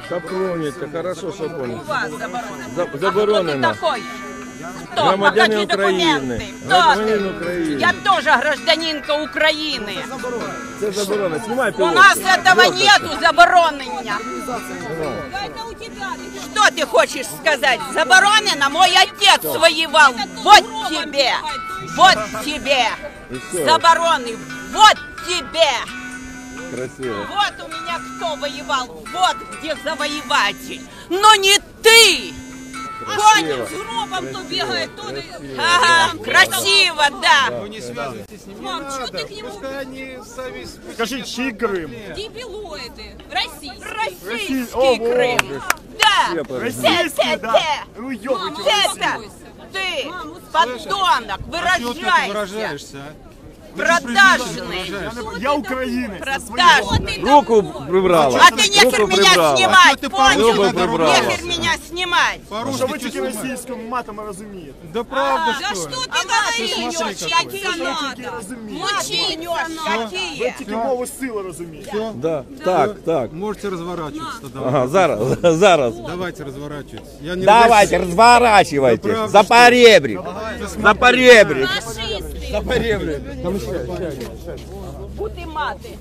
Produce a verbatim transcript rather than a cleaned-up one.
Сапоните, хорошо, що У вас заборонено. За- А заборонено. хто ти такой? Хто? Громадянин Покажи України. документи. Хто Громадянин ти? України. Я тоже гражданинка України. Це заборонено. Знімай У пілот. нас этого нету заборонения. Что ты хочешь сказать? Заборонено? Мой отец воевал. Вот тебе. Вот тебе. И всё. Забороны. Вот тебе. Красиво. Вот у меня кто воевал. Вот где завоеватель. Но не ты. Красиво. С гробом то бегает, то... Ага, красиво, да. Вы не связывайтесь с ним. Мам, не что надо. ты к нему- Пускай они сами... Скажи, чий Крим? Дебилоиды. Российские. Российский О, Крым. Боже. Да. Все Российский, да? Те-те-те. Ну, ёбайте. Это ты, подонок, А чего ты выражайся. выражаешься, а? Продажный. Я українець. Продажный. Руку прибрала. А ты нехер Руку меня прибрала. снимать, ты понял? Руку прибрала. Нехер меня снимать. Що ви По-русски тільки что снимаешь? російською матом розумієте? Да правда, Да что? что ли? ты говоришь? смотри, Учиться Тільки надо. розумієте. Учиться какие? Тільки мову сили розумієте. Да. Так, так. Можете разворачиваться тогда. Ага, зараз, зараз. Давайте разворачивайтесь. Я не Давайте, ругаюсь. разворачивайте. Да правда, За что? поребрик. За поребрик. Фашисты. За поребрик. Бути мати.